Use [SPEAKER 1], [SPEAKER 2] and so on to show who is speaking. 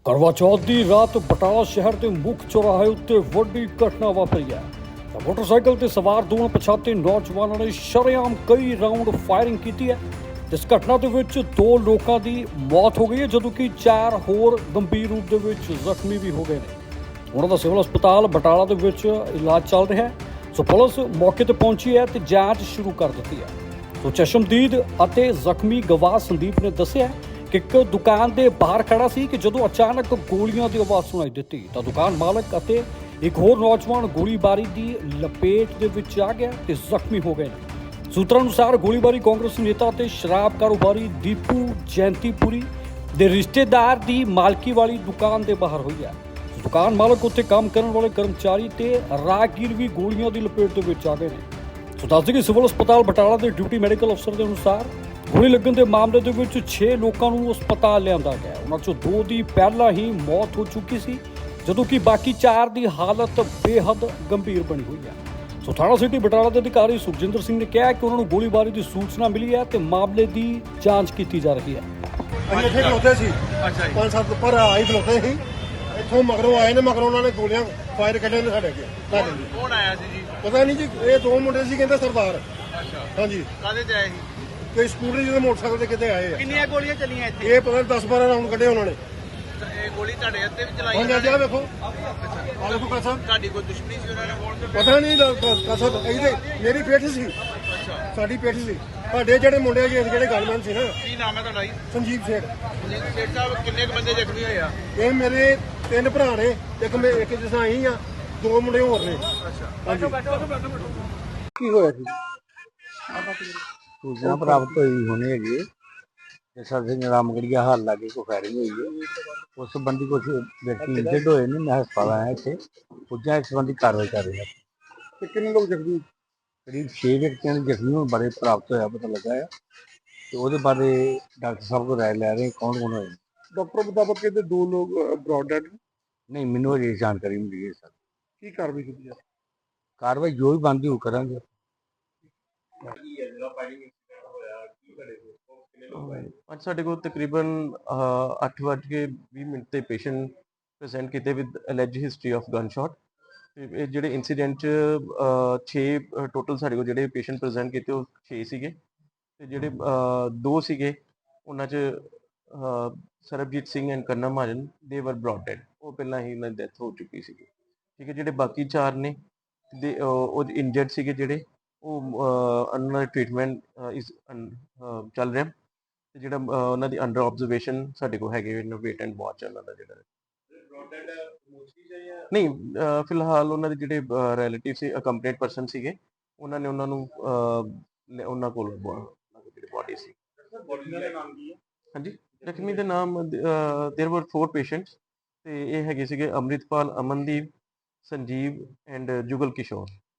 [SPEAKER 1] ਕਰਵਾ ਚੌਥ ਦੀ ਰਾਤ ਬਟਾਲਾ ਸ਼ਹਿਰ ਦੇ ਮੁੱਖ ਚੌਰਾਹੇ ਉੱਤੇ ਵੱਡੀ ਘਟਨਾ ਵਾਪਰੀ ਹੈ। ਮੋਟਰਸਾਈਕਲ ਤੇ ਸਵਾਰ ਦੋ ਅਣਪਛਾਤੇ ਨੌਜਵਾਨਾਂ ਨੇ ਸ਼ਰੇਆਮ ਕਈ ਰਾਉਂਡ ਫਾਇਰਿੰਗ ਕੀਤੀ ਹੈ। ਇਸ ਘਟਨਾ ਦੇ ਵਿੱਚ ਦੋ ਲੋਕਾਂ ਦੀ ਮੌਤ ਹੋ ਗਈ ਹੈ, ਜਦੋਂ ਕਿ 4 ਹੋਰ ਗੰਭੀਰ ਰੂਪ ਦੇ ਵਿੱਚ ਜ਼ਖਮੀ ਵੀ ਹੋ ਗਏ ਨੇ। ਉਹਨਾਂ ਦਾ ਸਿਵਲ ਹਸਪਤਾਲ ਬਟਾਲਾ ਦੇ ਵਿੱਚ ਇਲਾਜ ਚੱਲ ਰਿਹਾ ਹੈ। ਸੋ ਪੁਲਿਸ ਮੌਕੇ ਤੇ ਪਹੁੰਚੀ ਹੈ ਤੇ ਜਾਂਚ ਸ਼ੁਰੂ ਕਰ ਦਿੱਤੀ ਹੈ। ਸੋ ਚਸ਼ਮਦੀਦ ਅਤੇ ਜ਼ਖਮੀ ਗਵਾਹ ਸੰਦੀਪ ਨੇ ਦੱਸਿਆ ਕਿ ਇੱਕ ਦੁਕਾਨ ਦੇ ਬਾਹਰ ਖੜਾ ਸੀ ਕਿ ਜਦੋਂ ਅਚਾਨਕ ਗੋਲੀਆਂ ਦੀ ਆਵਾਜ਼ ਸੁਣਾਈ ਦਿੱਤੀ ਤਾਂ ਦੁਕਾਨ ਮਾਲਕ ਅਤੇ ਇੱਕ ਹੋਰ ਨੌਜਵਾਨ ਗੋਲੀਬਾਰੀ ਦੀ ਲਪੇਟ ਦੇ ਵਿੱਚ ਆ ਗਿਆ ਤੇ ਜ਼ਖਮੀ ਹੋ ਗਏ ਨੇ। ਸੂਤਰਾਂ ਅਨੁਸਾਰ ਗੋਲੀਬਾਰੀ ਕਾਂਗਰਸ ਨੇਤਾ ਅਤੇ ਸ਼ਰਾਬ ਕਾਰੋਬਾਰੀ ਦੀਪੂ ਜੈਂਤੀਪੁਰੀ ਦੇ ਰਿਸ਼ਤੇਦਾਰ ਦੀ ਮਾਲਕੀ ਵਾਲੀ ਦੁਕਾਨ ਦੇ ਬਾਹਰ ਹੋਈ ਹੈ। ਦੁਕਾਨ ਮਾਲਕ ਉੱਤੇ ਕੰਮ ਕਰਨ ਵਾਲੇ ਕਰਮਚਾਰੀ ਤੇ ਰਾਹਗੀਰ ਵੀ ਗੋਲੀਆਂ ਦੀ ਲਪੇਟ ਦੇ ਵਿੱਚ ਆ ਗਏ ਨੇ। ਸੋ ਦੱਸ ਦਈਏ ਕਿ ਸਿਵਲ ਹਸਪਤਾਲ ਬਟਾਲਾ ਦੇ ਡਿਊਟੀ ਮੈਡੀਕਲ ਅਫਸਰ ਦੇ ਅਨੁਸਾਰ ਗੋਲੀ ਲੱਗਣ ਦੇ ਮਾਮਲੇ ਦੇ ਵਿੱਚ 6 ਲੋਕਾਂ ਨੂੰ ਹਸਪਤਾਲ ਲਿਆਂਦਾ ਗਿਆ। ਉਹਨਾਂ ਚੋਂ 2 ਦੀ ਪਹਿਲਾਂ ਹੀ ਮੌਤ ਹੋ ਚੁੱਕੀ ਸੀ, ਜਦੋਂ ਕਿ ਬਾਕੀ 4 ਦੀ ਹਾਲਤ ਬੇਹੱਦ ਗੰਭੀਰ ਬਣੀ ਹੋਈ ਹੈ। ਸੋ ਥਾਣਾ ਸਿਟੀ ਬਟਾਲਾ ਦੇ ਅਧਿਕਾਰੀ ਸੁਖਜਿੰਦਰ ਸਿੰਘ ਨੇ ਕਿਹਾ ਕਿ ਉਹਨਾਂ ਨੂੰ ਗੋਲੀਬਾਰੀ ਦੀ ਸੂਚਨਾ ਮਿਲੀ ਹੈ ਤੇ ਮਾਮਲੇ ਦੀ ਜਾਂਚ ਕੀਤੀ ਜਾ ਰਹੀ ਹੈ।
[SPEAKER 2] ਅਸੀਂ ਇੱਥੇ ਖਲੋਤੇ ਸੀ। ਅੱਛਾ ਜੀ। 5-7 ਉੱਪਰ ਆਈ ਖਲੋਤੇ ਸੀ। ਇੱਥੋਂ ਮਗਰੋਂ ਆਏ ਨੇ, ਮਗਰੋਂ ਉਹਨਾਂ ਨੇ ਗੋਲੀਆਂ ਫਾਇਰ ਕੱਢੇ ਨੇ ਸਾਡੇ ਅੱਗੇ।
[SPEAKER 3] ਕੌਣ ਆਇਆ ਸੀ ਜੀ?
[SPEAKER 2] ਪਤਾ ਨਹੀਂ ਜੀ, ਇਹ 2 ਮੁੰਡੇ ਸੀ, ਕਹਿੰਦੇ ਸਰਦਾਰ।
[SPEAKER 3] ਅੱਛਾ,
[SPEAKER 2] ਹਾਂਜੀ।
[SPEAKER 3] ਕਾਹਦੇ ਚ ਆਏ ਸੀ?
[SPEAKER 2] ਕੋਈ ਸਕੂਟਰੀ ਜਿਹਦੇ ਮੋਟਰਸਾਈਕਲ ਤੇ ਕਿਤੇ ਆਏ ਆ।
[SPEAKER 3] ਕਿੰਨੀਆਂ ਗੋਲੀਆਂ ਚੱਲੀਆਂ ਇੱਥੇ?
[SPEAKER 2] ਇਹ ਪਤਾ ਨਹੀਂ 10-12 ਰਾਉਂਡ ਕੱਢੇ ਉਹਨਾਂ ਨੇ।
[SPEAKER 3] ਇਹ ਗੋਲੀ ਤੁਹਾਡੇ ਉੱਤੇ ਵੀ ਚਲਾਈ?
[SPEAKER 2] ਹਾਂਜੀ, ਆ ਵੇਖੋ, ਆ ਵੇਖੋ ਕਸਰ।
[SPEAKER 3] ਤੁਹਾਡੀ ਕੋਈ ਦੁਸ਼ਮਣੀ ਸੀ ਉਹਨਾਂ ਨਾਲ?
[SPEAKER 2] ਪਤਾ ਨਹੀਂ ਕਸਰ ਇਹਦੇ ਮੇਰੀ ਪੇਠ ਸੀ।
[SPEAKER 3] ਅੱਛਾ,
[SPEAKER 2] ਸਾਡੀ ਪੇਠ ਸੀ। ਸਾਡੇ ਜਿਹੜੇ ਮੁੰਡੇ ਜੀ ਜਿਹੜੇ ਗਨਮੈਨ ਸੀ ਨਾ,
[SPEAKER 3] ਕੀ ਨਾਮ ਹੈ ਤੁਹਾਡਾ ਜੀ?
[SPEAKER 2] ਸੰਜੀਵ ਸੇਠ।
[SPEAKER 3] ਸੇਠ ਸਾਹਿਬ, ਕਿੰਨੇ ਕੁ ਬੰਦੇ ਜ਼ਖਮੀ ਹੋਏ ਆ?
[SPEAKER 2] ਇਹ ਮੇਰੇ 3 ਭਰਾ ਨੇ, ਇੱਕ ਜਿਸ ਤਰ੍ਹਾਂ ਅਸੀਂ ਆ, 2 ਮੁੰਡੇ ਹੋਰ ਨੇ।
[SPEAKER 3] ਅੱਛਾ,
[SPEAKER 2] ਹਾਂਜੀ। ਕੀ ਹੋਇਆ ਸੀ?
[SPEAKER 4] सूचना प्राप्त हुई होनी है जैसा सिंह रामगढ़िया हाल लागे को फायरिंग हुई है। उस संबंधी कुछ व्यक्ति इंजर्ड हुए ने। मैं हस्पताल आया इतने पुजा, इस संबंधी कार्रवाई कर रहे हैं।
[SPEAKER 2] कितने लोग जख्मी?
[SPEAKER 4] करीब 6 व्यक्तियों के जख्मी होने बारे प्राप्त होया पता लगा है, तो वो बारे डॉक्टर साहब को राय लै रहे हैं कौन कौन होए।
[SPEAKER 2] डॉक्टर मुताबिक कहते 2 लोग ब्रॉड डेड।
[SPEAKER 4] नहीं, मैनू अजे जानकारी मिली है सर।
[SPEAKER 2] की कार्रवाई की है?
[SPEAKER 4] कार्रवाई जो भी बनती वो करांगे।
[SPEAKER 5] ਅੱਜ ਸਾਡੇ ਕੋਲ ਤਕਰੀਬਨ 8:20 ਤੇ ਪੇਸ਼ੈਂਟ ਪ੍ਰੈਜ਼ੈਂਟ ਕੀਤੇ with alleged history of gunshot. ਤੇ ਇਹ ਜਿਹੜੇ ਇਨਸੀਡੈਂਟ 'ਚ 6 ਟੋਟਲ ਸਾਡੇ ਕੋਲ ਜਿਹੜੇ ਪੇਸ਼ੈਂਟ ਪ੍ਰੈਜ਼ੈਂਟ ਕੀਤੇ ਉਹ 6 ਸੀਗੇ, ਤੇ ਜਿਹੜੇ 2 ਸੀਗੇ ਉਹਨਾਂ 'ਚ ਸਰਬਜੀਤ ਸਿੰਘ ਐਂਡ ਕਰਨਾ ਮਹਾਜਨ ਦੇ ਵਰ ਬ੍ਰੌਟ ਡੈਡ। ਉਹ ਪਹਿਲਾਂ ਹੀ ਉਹਨਾਂ ਦੀ ਡੈਥ ਹੋ ਚੁੱਕੀ ਸੀਗੀ। ਠੀਕ ਹੈ, ਜਿਹੜੇ ਬਾਕੀ 4 ਨੇ ਦੇ ਉਹ ਇੰਜਰਡ ਸੀਗੇ, ਜਿਹੜੇ ਉਹ ਉਹਨਾਂ ਦਾ ਟ੍ਰੀਟਮੈਂਟ ਚੱਲ ਰਿਹਾ। ਤੇ ਜਿਹੜਾ ਉਹਨਾਂ ਦੀ ਅੰਡਰ ਆਬਜ਼ਰਵੇਸ਼ਨ ਸਾਡੇ ਕੋਲ ਹੈਗੇ ਵੇਟ ਐਂਡ ਵਾਚ ਉਹਨਾਂ ਦਾ ਜਿਹੜਾ ਨਹੀਂ ਫਿਲਹਾਲ ਉਹਨਾਂ ਦੇ ਜਿਹੜੇ ਰਿਲੇਟਿਵ ਸੀ, ਅਕੰਪਲੀਟ ਪਰਸਨ ਸੀਗੇ, ਉਹਨਾਂ ਨੇ ਉਹਨਾਂ ਨੂੰ ਉਹਨਾਂ ਕੋਲ ਜਿਹੜੀ ਬੋਡੀ ਸੀ। ਹਾਂਜੀ, ਜ਼ਖਮੀ ਦੇ ਨਾਮ देयर वर 4 ਪੇਸ਼ੈਂਟਸ, ਤੇ ਇਹ ਹੈਗੇ ਸੀਗੇ ਅੰਮ੍ਰਿਤਪਾਲ, ਅਮਨਦੀਪ, ਸੰਜੀਵ ਐਂਡ ਜੁਗਲ ਕਿਸ਼ੋਰ।